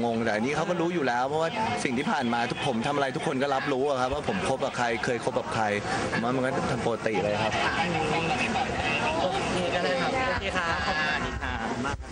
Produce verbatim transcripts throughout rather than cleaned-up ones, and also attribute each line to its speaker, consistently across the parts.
Speaker 1: งงแต่อันนี้เขาก็รู้อยู่แล้วเพราะว่าสิ่งที่ผ่านมาทุกผมทำอะไรทุกคนก็รับรู้อะครับว่าผมคบกับใครเคยคบกับใครผมว่ามันก็ทำปกติเลยครับ
Speaker 2: โอเคก็ได้ครับโอเคค่ะขอบคุณค่ะมาก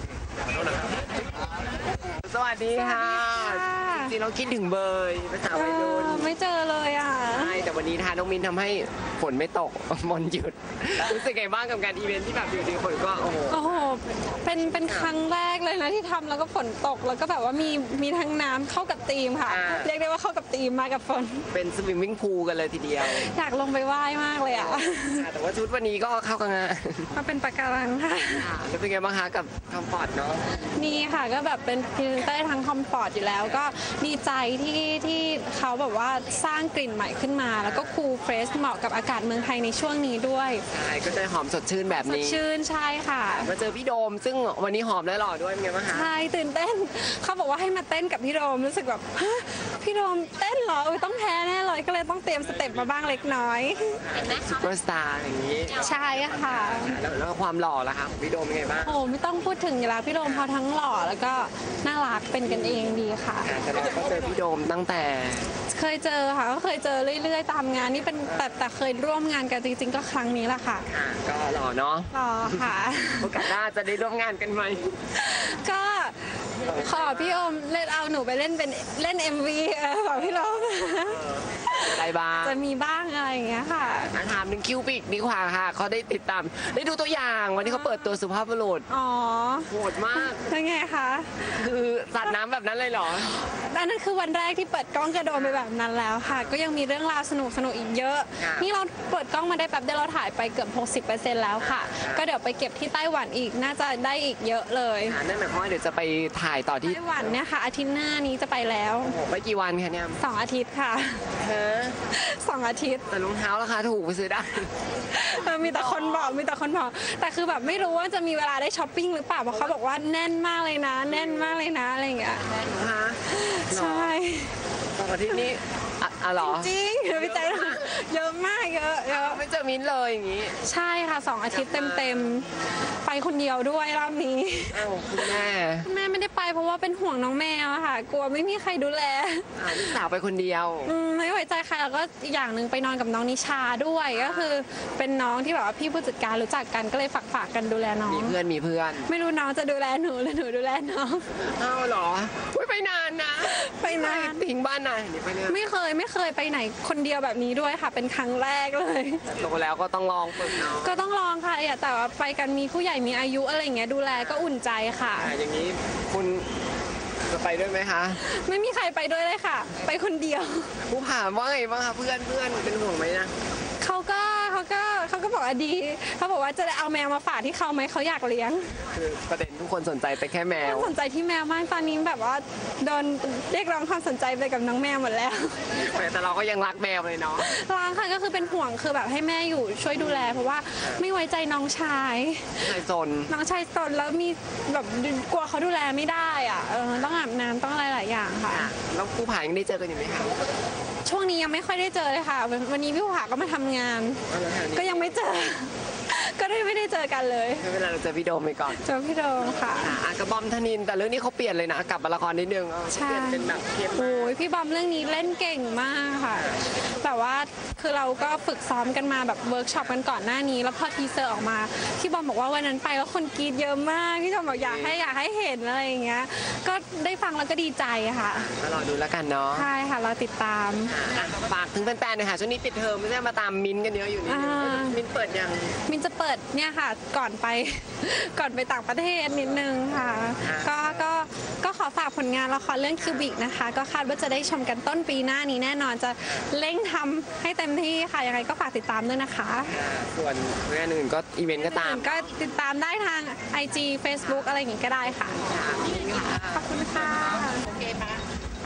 Speaker 2: สวัสดีค่ะจริงๆเราคิดถึงเบยภาษาวัยรุ่น
Speaker 3: ไม่เจอเลยอ่ะ
Speaker 2: ใช่แต่วันนี้ทานน้องมินทำให้ฝนไม่ตกมนหยุดรู้สึกไงบ้างกับการอีเวนท์ที่แบบอยู่ดีฝนก็โอ้โห
Speaker 3: โอ้โหเป็นเป็นครั้งแรกเลยนะที่ทำแล้วก็ฝนตกแล้วก็แบบว่ามีมีทั้งน้ำเข้ากับธีมค่ะเรียกได้ว่าเข้ากับธีมมากับฝน
Speaker 2: เป็นสวิมมิ่งพูลกันเลยทีเดียว
Speaker 3: อยากลงไปว่ายมากเลยอ่ะ
Speaker 2: แต่ว่าชุดวันนี้ก็เข้ากันงาน
Speaker 3: มาเป็นปะการังค่ะ
Speaker 2: แล้วเป็นไงบ้างคะกับคอมฟอร์ตเนาะ
Speaker 3: นี่ค่ะก็แบบเป็นพรีเซนเตอร์ทั้งคอมฟอร์ตอยู่แล้วก็ดีใจที่ที่เขาแบบว่าสร้างกลิ่นใหม่ขึ้นมาแล้วก็คูลเฟรชเหมาะกับอากาศเมืองไทยในช่วงนี้ด้วย
Speaker 2: ใช่ก็จะหอมสดชื่นแบบนี้
Speaker 3: สดชื่นใช่ค่ะ
Speaker 2: มาเจอพี่โดมซึ่งวันนี้หอมและหล่อด้วยเป็นไงบ้างคะ
Speaker 3: ใช่ตื่นเต้นเขาบอกว่าให้มาเต้นกับพี่โดมรู้สึกแบบพี่โดมเต้นเหรอต้องแพ้แน่เลยก็เลยต้องเตรียมสเต็ปมาบ้างเล็กน้อย
Speaker 2: ซุปเปอร์สตาร์อย่างนี้
Speaker 3: ใช่ค่ะ
Speaker 2: แล้วความหล่อล่ะคะพี่โดมเป็นไงบ้าง
Speaker 3: โอ้ไม่ต้องพูดถึงอยู่แล้วพี่โดมพอทั้งหล่อแล้วก็น่ารักเป็นกันเองดีค่ะ
Speaker 2: แต่เราก็เจอพี่โดมตั้งแต่
Speaker 3: เคยเจอค่ะก็เคยเจอเรื่อยๆตามงานนี่เป็นแต่แต่เคยร่วมงานกันจริงๆก็ครั้งนี้แหละค่ะ
Speaker 2: ก็หล่อเนาะ
Speaker 3: หล่อค่ะ
Speaker 2: โอกาสหน้าจะได้ร่วมงานกันไหม
Speaker 3: ก็ขอพี่โอมเล่นเอาหนูไปเล่นเป็นเล่น เอ็ม วี เออขอพี่โอม
Speaker 2: อะไรบ้าง
Speaker 3: จะมีบ้างอะไรอย่างเงี้ยค่ะ
Speaker 2: ถามหนึ่งคิวปิกดีกว่าค่ะเขาได้ติดตามได้ดูตัวอย่างวันที่เขาเปิดตัวสุภาพบุรุษ
Speaker 3: อ๋อ
Speaker 2: โหดมาก
Speaker 3: เป็นไงคะ
Speaker 2: คือสัตว์น้ำแบบนั้นเลยเหรอ
Speaker 3: อันนั้นคือวันแรกที่เปิดกล้องกระโดดไปแบบนั้นแล้วค่ะก็ยังมีเรื่องราวสนุกสนุกอีกเยอะนี่เราเปิดกล้องมาได้แป๊บเดียวเราถ่ายไปเกือบ หกสิบเปอร์เซ็นต์ แล้วค่ะก็เดี๋ยวไปเก็บที่ไต้หวันอีกน่าจะได้อีกเยอะเลย
Speaker 2: นั่นหมายความว่าเดี๋ยวจะไปถ่ายต่อที่
Speaker 3: ไต้หวันเนี่ยค่ะอาทิตย์หน้านี้จะไปแล้ว
Speaker 2: ไปกี่วันคะเนี่ย
Speaker 3: สองอาทิตย์ค่ะสองอาทิตย์
Speaker 2: แต่รองเท้าราคาถูกไปซื้อได้
Speaker 3: มีแต่คนบอกมีแต่คนบอกแต่คือแบบไม่รู้ว่าจะมีเวลาได้ช้อปปิ้งหรือเปล่าเพราะเขาบอกว่าแน่นมากเลยนะแน่นมากเลยนะอะไรอย่างเงี้ยใช่
Speaker 2: สองอาทิตย์นี้อ๋อเหรอ
Speaker 3: จริงๆพี่ใจเยอะมากเยอะเยอะ
Speaker 2: ไม่เจอมิ้นเลยอย่างงี้
Speaker 3: ใช่ค่ะสองอาทิตย์เต็มๆไปคนเดียวด้วยรอบนี้
Speaker 2: อ้าวคุณแม่
Speaker 3: แม่ไม่ได้ไปเพราะว่าเป็นห่วงน้องแมวค่ะกลัวไม่มีใครดูแล
Speaker 2: ลูกสาวไปคนเดียว
Speaker 3: ไม่ไว้ใจใครแล้วก็อีกอย่างหนึ่งไปนอนกับน้องนิชาด้วยก็คือเป็นน้องที่แบบว่าพี่ผู้จัดการรู้จักกันก็เลยฝากฝากกันดูแลน้อง
Speaker 2: มีเพื่อนมีเพื่อน
Speaker 3: ไม่รู้น้องจะดูแลหนูหรือหนูดูแลน้อง
Speaker 2: อ้าวเหรอไปนานนะ
Speaker 3: ไปนาน
Speaker 2: ทิ้งบ้านนาน
Speaker 3: ไม่เคยไม่เคยไปไหนคนเดียวแบบนี้ด้วยค่ะเป็นครั้งแรกเลย
Speaker 2: โตแล้วก็ต้องลองฝึกเนาะ
Speaker 3: ก็ต้องลองค่ะแต่ว่าไปกันมีผู้ใหญ่มีอายุอะไรอย่างเงี้ยดูแลก็อุ่นใจค่ะ
Speaker 2: อย่างนี้คุณจะไปด้วยไหมคะ
Speaker 3: ไม่มีใครไปด้วยเลยค่ะไปคนเดียว
Speaker 2: ผู้ผ่านว่าไงบ้างคะเพื่อนเพื่อนเป็นห่วงไหมนะ
Speaker 3: เขาก็เขาก็เขาก็บอกว่าดีเขาบอกว่าจะได้เอาแมวมาฝากที่เขาไหมเขาอยากเลี้ยง
Speaker 2: คือประเด็นทุกคนสนใจไปแค่แมว
Speaker 3: สนใจที่แมวมากตอนนี้แบบว่าโดนเรียกร้องความสนใจไปกับน้องแมวหมดแล้ว
Speaker 2: แต่เราก็ยังรักแมวเลยเนาะ
Speaker 3: รักค่ะก็คือเป็นห่วงคือแบบให้แม่อยู่ช่วยดูแลเพราะว่าไม่ไว้ใจน้องชาย
Speaker 2: ชายซน
Speaker 3: น้องชายซนแล้วมีแบบกลัวเขาดูแลไม่ได้อ่ะเออต้องอาบน้ำต้องอะไรหลายอย่างค่ะ
Speaker 2: แล้วผู้ผ่านยังได้เจอกันอยู่ไหมคะ
Speaker 3: ช่วงนี้ยังไม่ค่อยได้เจอเลยค่ะวันนี้พี่ผู้ผ่าก็มาทำงานก็ยังไม่เจอก็ได้ไม่ได้เจอกันเลย
Speaker 2: เวลาเราเจอพี่โดมไปก่อน
Speaker 3: เจอพี่โดมค่ะ
Speaker 2: กับบอมธนินแต่เรื่องนี้เขาเปลี่ยนเลยนะกลับมาละครนิดนึง
Speaker 3: ใช่
Speaker 2: เป็นแบบเข้ม
Speaker 3: โอ้ยพี่บอมเรื่องนี้เล่นเก่งมากค่ะแบบว่าคือเราก็ฝึกซ้อมกันมาแบบเวิร์กช็อปกันก่อนหน้านี้แล้วพอทีเซอร์ออกมาพี่บอมบอกว่าวันนั้นไปแล้วคนกรี๊ดเยอะมากพี่บอมบอกอยากให้อยากให้เห็นอะไรอย่างเงี้ยก็ได้ฟังแล้วก็ดีใจค่ะ
Speaker 2: รอดูแล้วกันเนาะ
Speaker 3: ใช่ค่ะเราติดตาม
Speaker 2: ฝากถึงแฟนๆหน่อยค่ะช่วงนี้ปิดเทอมไม่ใช่มาตามมิ้นกันเยอะอยู่นี่มิ้นเปิดยัง
Speaker 3: มิ้นจะเปิดเนี่ยค่ะก่อนไปก่อนไปต่างประเทศนิดนึงค่ะก็ก็ก็ขอฝากผลงานละครเรื่องคิวบิกนะคะก็คาดว่าจะได้ชมกันต้นปีหน้านี้แน่นอนจะเร่งทำให้เต็มที่ค่ะยังไงก็ฝากติดตามด้วยนะคะ
Speaker 2: ส่วนงานอื่นก็อีเวนต์ก็ตาม
Speaker 3: ก็ติดตามได้ทาง ไอ จี Facebook อะไรอย่างงี้ก็ได้ค่ะขอบคุณค่ะโอเคปะ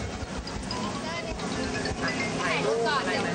Speaker 3: ถ่ายรูปก่อนเดี๋ยว